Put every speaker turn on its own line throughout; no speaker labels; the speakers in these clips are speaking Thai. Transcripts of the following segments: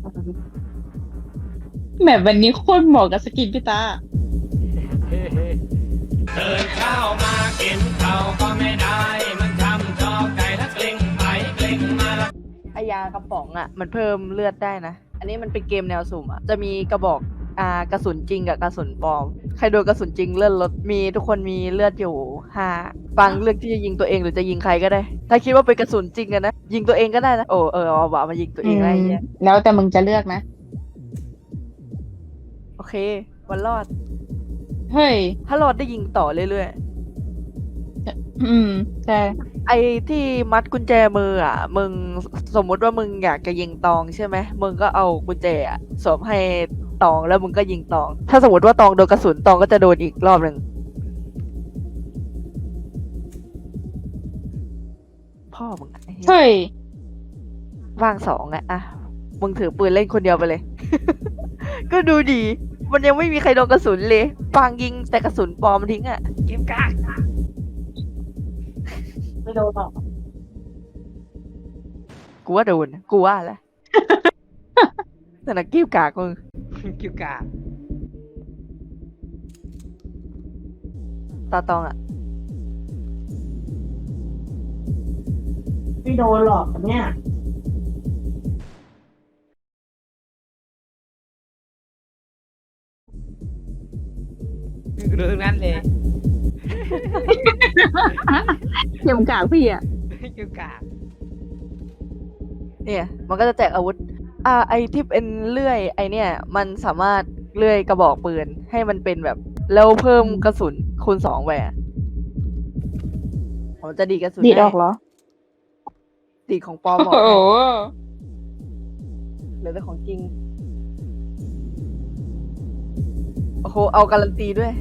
แบบวันนี้โคตรเหมาะกับสกินพี่ตา
เฮ้เฮ้เดินเข้ามากินเขาก็ไม่ได้มันทำจอไก่แล้วกลิ้งไปกลิ้งมาแล้ว
ไอยากระป๋องอ่ะมันเพิ่มเลือดได้นะอันนี้มันเป็นเกมแนวสุ่มอ่ะจะมีกระบอกกระสุนจริงกับกระสุนปลอมใครโดนกระสุนจริงเลือดลดมีทุกคนมีเลือดอยู่5ฟังเลือกที่จะยิงตัวเองหรือจะยิงใครก็ได้ถ้าคิดว่าเป็นกระสุนจริงอะนะยิงตัวเองก็ได้นะโอ้เอาบ่ามายิงตัวเองได้เนี่ย
แล้วแต่มึงจะเลือกนะ
โอเควันรอด
เฮ้ย
ถ้ารอดได้ยิงต่อเรื่อย
ใช่
ๆไอ้ที่มัดกุญแจมืออ่ะมึงสมมุติว่ามึงอยากจะยิงตองใช่ไหมมึงก็เอากุญแจอะสวมให้ตองแล้วมึงก็ยิงตอง ถ้าสมมติว่าตองโดนกระสุนตองก็จะโดนอีกรอบหนึ่งพ่อมึงไอ้เหี้ย
เฮ้ย
ว่าง2อะมึงถือปืนเล่นคนเดียวไปเลย ก็ดูดี มันยังไม่มีใครโดนกระสุนเลยปางยิงแต่กระสุนปลอมทิ้งอะ
เกมกาก
ไม่โดนหรอก
กูว่าโดนกูว่าแหละ แต่นักกิ้วกากมึง
เกิวกาก
ตาตองอะ
ไม่โดนหรอกเนี่ย
ดูทั้งนั้นเลย
เข็มกากพี่อ่ะ
เกิวกาก
เนี่ย มันก็จะแจกอาวุธไอที่เป็นเลื่อยไอเนี่ย มันสามารถเลื่อยกระบอกปืนให้มันเป็นแบบแล้วเพิ่มกระสุนคูณ2ไปอะผมจะดีดกระสุน
ดีดอ
ให้
อกเหรอ
ดีดของปลอมออก
โอ้โห
ให้เหลือแต่ของจริง โอ้โห เอาการันตีด้วย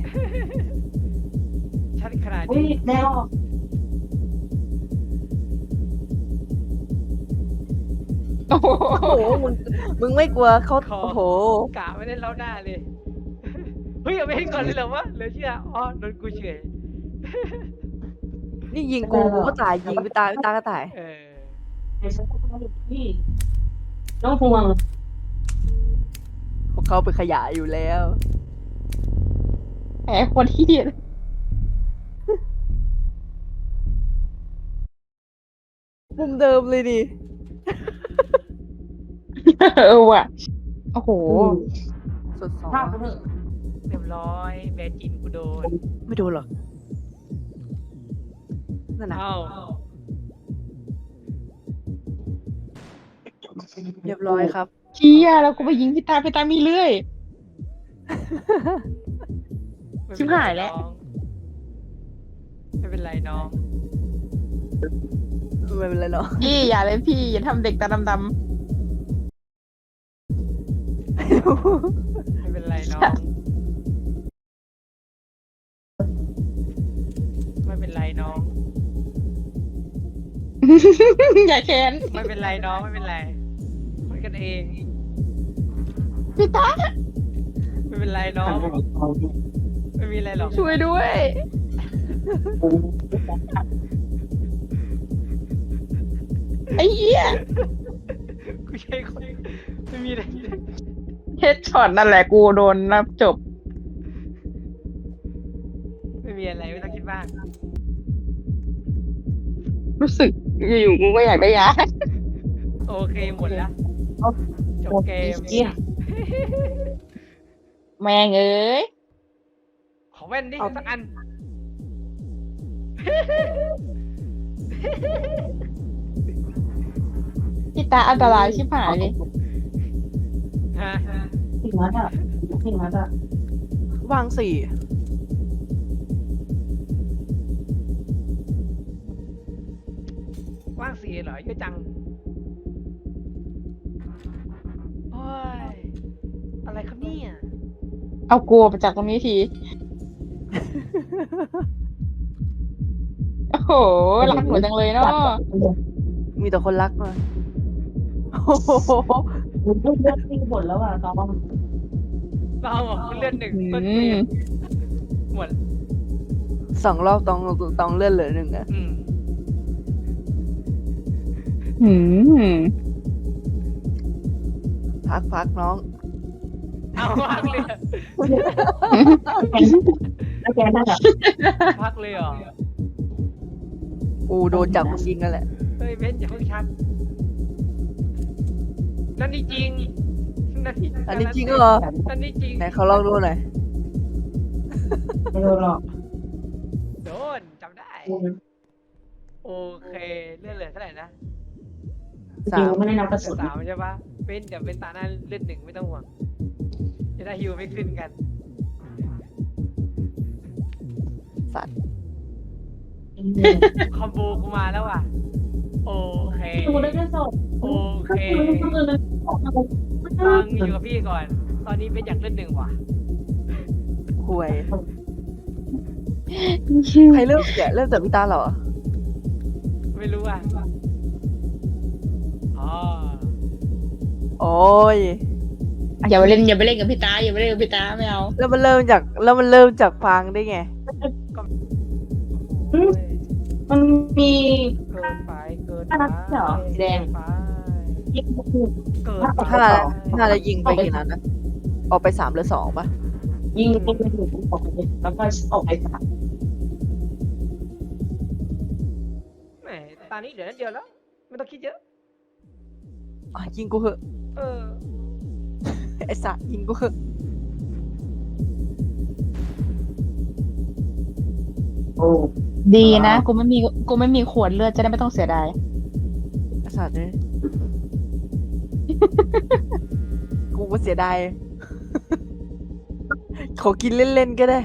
ชัดขนาด
อุ้ย
นี้
แม่ออก โอ้โห
โอ้โห มึงไม่กลัวเขาโอ้โห
กะไม่ได้เล่าหน้าเลย เฮ้ยเอาไปให้ก่อนเลยเหรอวะเหลือเชื่ออ๋อโดนกูเฉย
นี่ยิงกูก็ตายยิงไปตายไปตายก็ตาย
เออ
พี่ต้องห่วง
พวกเขาเป็นขยะอยู่แล้ว
แหมคนที่เดียด
มุมเดิมเลยดิ
ว่ะ โอ้โห
สุดสอง
เรียบร้อยแบร์จินกูโดน
ไม่โดนหรอกนั่นนะ
เอ้า
เรียบร้อยครับ
เชี่ยแล้วกูไปยิงพี่ตาพี่ตามีเลื่อย ชิบหายแล้ว
ไม่เป็นไรน้อง
ไม่เป็นไรเนาะ
พี่อย่าเลยพี่อย่าทำเด็กตาดำ
ไม่เป็นไรน้อง ไม่เป็นไรน้อง
ๆ อย่าแค้น
ไม่เป็นไรน้องไม่เป็นไรคุยกันเอง
พี่ตา
ไม่เป็นไรน้อง ไม่มีอะไรหรอก
ช่วยด้วย ไอ้เหี้ย
กูใช่คนไม่มีอะไร
เฮดช็อตนั่นแหละกูโดนรับจบ
ไม่มีอะไรไม่ต้องคิดมาก
รู้สึกอยู่ๆกูก็อยากได้ยา
โอเคหมดแล้วจบเกม
เหี้ยแม่งเอ้ย
ขอแว่นดิสักอัน
พี่ตาอันตรายชิบหายเลย
ฮะ
ถึงนัดอ่ะถึงนัดอ่ะ
วาง4
ว่างสีเหรอเยอะจังโอ้ยอะไรครับเนี่ย
เอากลัวไปจากตรงนี้ที โอ้โหรักหนูจังเลยเนาะ
มีแต่คนรักมาโอ้โห
เลือดตีบนแล้วอ่ะตอน
เราบอกเลือดหนึ่งต้นเกมหมด
2 รอบต้องเลื่อนเหลือ1อะ
อืม
พักน้อง
เอาพักเลย
แล้วแกน่าจะ
พักเลยเหรอ
กูโดนจับจริงกันแหละ
เฮ้ยเบนอย่าเพิ่งชักนั่นนี่จริงนั่นนี่
อันนี้จริงเหรอ
นั่นนี่จริง
ไหนเขาลองดูหน่อย
ไม่โดนหรอก
โดนจำได้ โอเคเลื่อนเหลือเท่าไหร่นะ
สา
จริง
ม
ไม่ได้นับกระสุน
3ใช่ปะเป็นเดี๋ยวเป็นตาหน้าเลื่อน1ไม่ต้องห่วงจะได้ฮิวไม่ขึ้นกัน
สัตว์
คอมโบกูมาแล้วว่ะโอเค
ดูได้แค่ศพ
โอเค
ก็คือมันออกมา
ฟังอยู่กับพี่ก่อน ตอนนี้เป็นอยากเลื่อน1ว่ะ
ห่วย ใครเริ่มเนี่ยเริ่มจากพี่ตาเหรอ
ไม่รู้อ่ะอ๋อ
โอ้ย
อย่าไปเล่นกับพี่ตาอย่าไปเล่นกับพี่ตาไม่เอา
แล้วมันเริ่มจากฟังได้ไง
โอ้ย
มันมี
เกินไปเกิน
อันนั้นเหรอแดง
ไป
ยิงคือ
เกินไป
ถ้าเรายิงไปกี่นัดนะ ออกไป3 หรือ 2ป่ะ
ยิงไปถึงออกไปแล้วก็ออกไปสาม
แหมตอนนี้เหลือนัดเดียวแล้ว ไม่ต้องคิดเยอะ
อ่ะยิงกูเหอะ
เออ
ไอ้สัตว์ยิงกูเหอะ
โอ้
ดีนะกูไม่มีขวดเลือดจะได้ไม่ต้องเสียดาย
ไอ้สัตว์เลยกูก็เสียดาย ขอกินเล่นๆก็ได้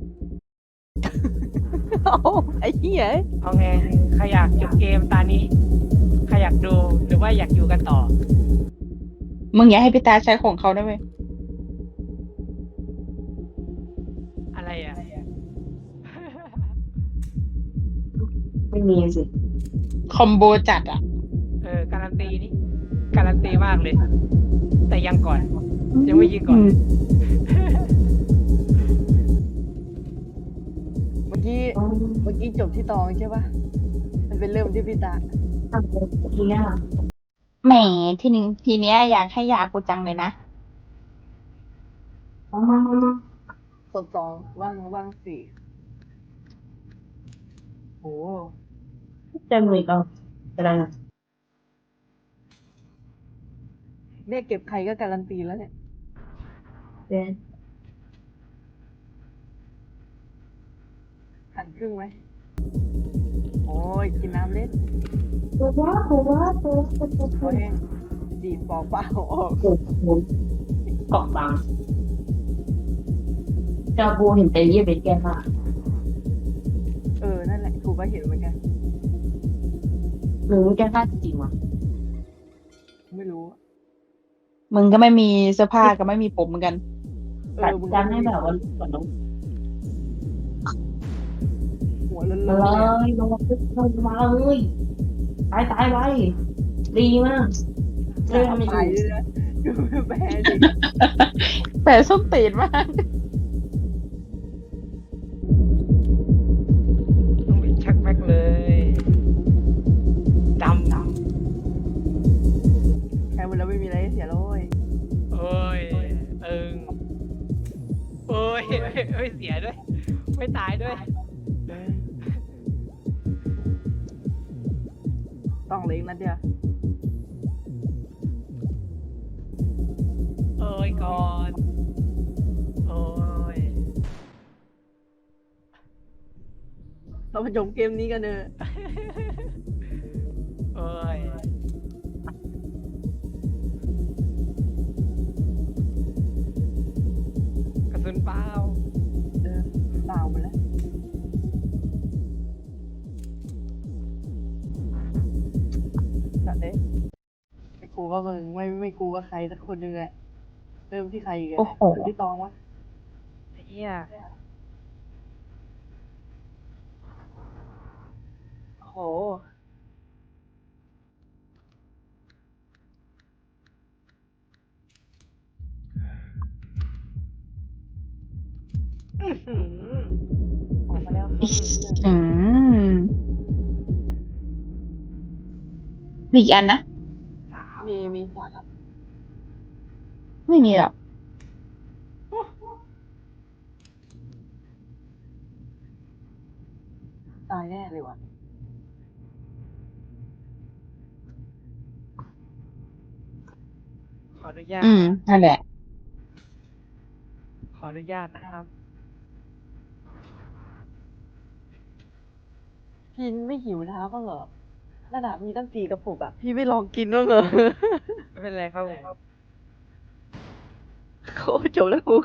เอาไอ้เหี้ย
เอาไงใครอยากหยุดเกมตอนนี้ใครอยากดูหรือว่าอยากอยู่กันต่อ
มึงอย่าให้พี่ตาใช้ของเขาได้ไหม
อะไรอ่ะ
ไม่มีสิ
คอมโบจัดอ่ะ
การันตีนี่การันตีมากเลย แต่ยังก่อน ยังไม่ยิงก่อน
เมื่อกี้จบที่ตองใช่ป่ะ มันเป็นเริ่มที่พี่ตา
ทำทีเนี้ย
แหมทีเนี้ยอยากให้ยากูจังเลยนะ
ศพ2ว่าง4โอ้
เต็มเลยก็จะได้
เนี่ยเก็บใครก็การันตีแล้วเนี่ย
เด่น
หันครึ่งไหม โอ้ย กินน้ำเล่น
ตัวว่า
โอ้ยดีดปอกเปล่าออก
เกาะบางจาบูเห็นแต่เยี่ยเป็นแกมาก
นั่นแหละกูก็เห็นเหมือนกัน
หรือแกฆ่าจริงวะ
ไม่รู้
มึงก็ไม่มีเสื้อผ้าก็ไม่มีผมเหมือนกัน
ตัด
มึง
จันให้แบบว่าก่อนน้อง
หัวเลิน
มา
ๆ
เล
เลยอะ
ยลงมาเลยตายไว้ดีมากเรื่องมันอ
ตาย
ยู่
เลยนะดูแพ้ดิ
แต่ส้มตีนมาก
ต้องไปชักแม็กเลยดำ
แพ้หมดแล้วไม่มีอะไรให้เสียแล้วเว้ย
โอ้ยโอ้ยเสียด้วย ไม่ตายด้วย
ต้องเหลยนัดเดียว
โอ้ยก่อนโอ้ย
เรามาจบเกมนี้กันเนอะ
โอ้ยกระสุนเปล่า
เปล่าหมดแล้วสัตว์เด้ไม่กูก็มึงไม่กูก็ใครสักคนหนึ่งแหละเริ่มที่ใครอีกัน
โอ้โห
ที่ตองวะ
ไอ้เหี้ย
โห
อื้อหือ
ออกมาแล้ว
อืมมีอีกอันนะ
มี
ไม่มีหรอก
ตายแน่เลยว่ะขออนุญาต
นั่นแหละ
ขออนุญาตนะครับ พี่ไม่หิวน้ำบ้างเหรอระดับมีตั้ง4 กระปุกอ่ะ พี่ไม่ลองกินบ้างเหรอ ไม่เป็นไรครับผมโอ้จบแล้วกู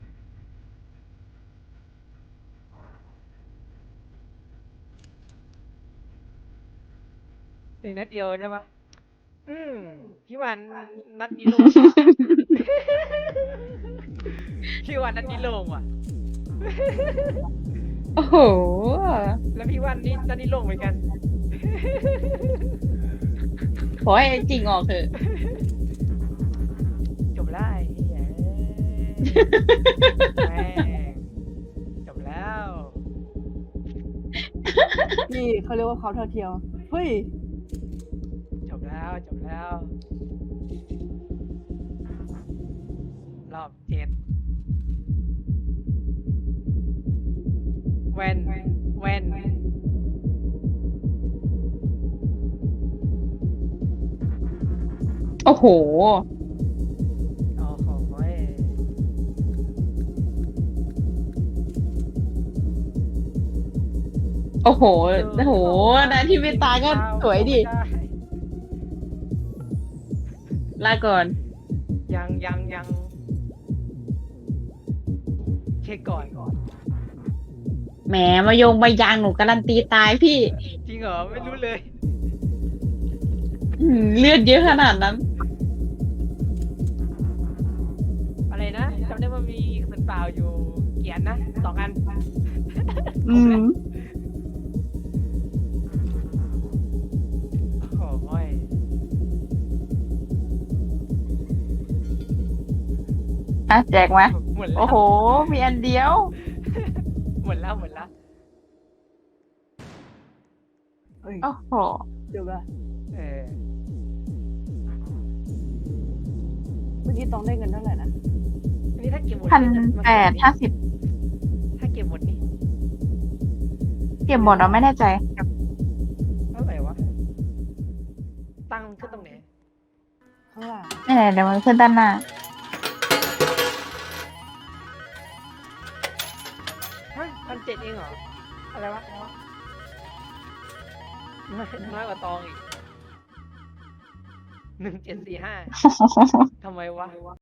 อีกนัดเดียวใช่ปะพี่วันนัดนี้ลง พี่วันนัดนี้ลงว่ะ
โอ้โห
แล้วพี่วันนี่นัดนี้ลงเหมือนกัน
ขอให้จริงออกเถอะ
จบแล้วไอ้เหี้ยแม่งจบแล้ว นี่เขาเรียกว่าเขาเท่าเทียมเฮ้ย จบแล้ว จบแล้ว รอบ7แว่น
โอ้โห
โอ้โห
โอ้โห โอ้โหนะที่ไม่ตายก็สวยดิ ลาก่อน
ยังเช็คก่อน
แหมมายงมายางหนูการันตีตายพี่
จริงเหรอ ไม่รู้เลย
เลือดเยอะขนาดนั้น
อะไรนะจำได้ว่ามีกระสุนเปล่าอยู่เกียนนะ2 อัน โอ้ย
อ่ะแจกมา
หมดแล้ว
โอ้โห มีอันเดียว
หมดแล้ว
โอ้โห
จบละเมื่อกี้ต้องได้เงินเท่าไหร่นะอันนี้ถ้าเก็บหมด
1,850
ถ้าเก็บหมดนี่
เก็บหมดเราไม่แน่ใจ
เท่าไหร่วะ ตั้งขึ้นตรงไหน ข้างล่าง
ไม่ไหนเดี๋ยวมันขึ้นด้านหน้า
ฮะ1,700เองเหรอ อะไรวะ น้อยกว่าตองอีก 1745ทำไมวะ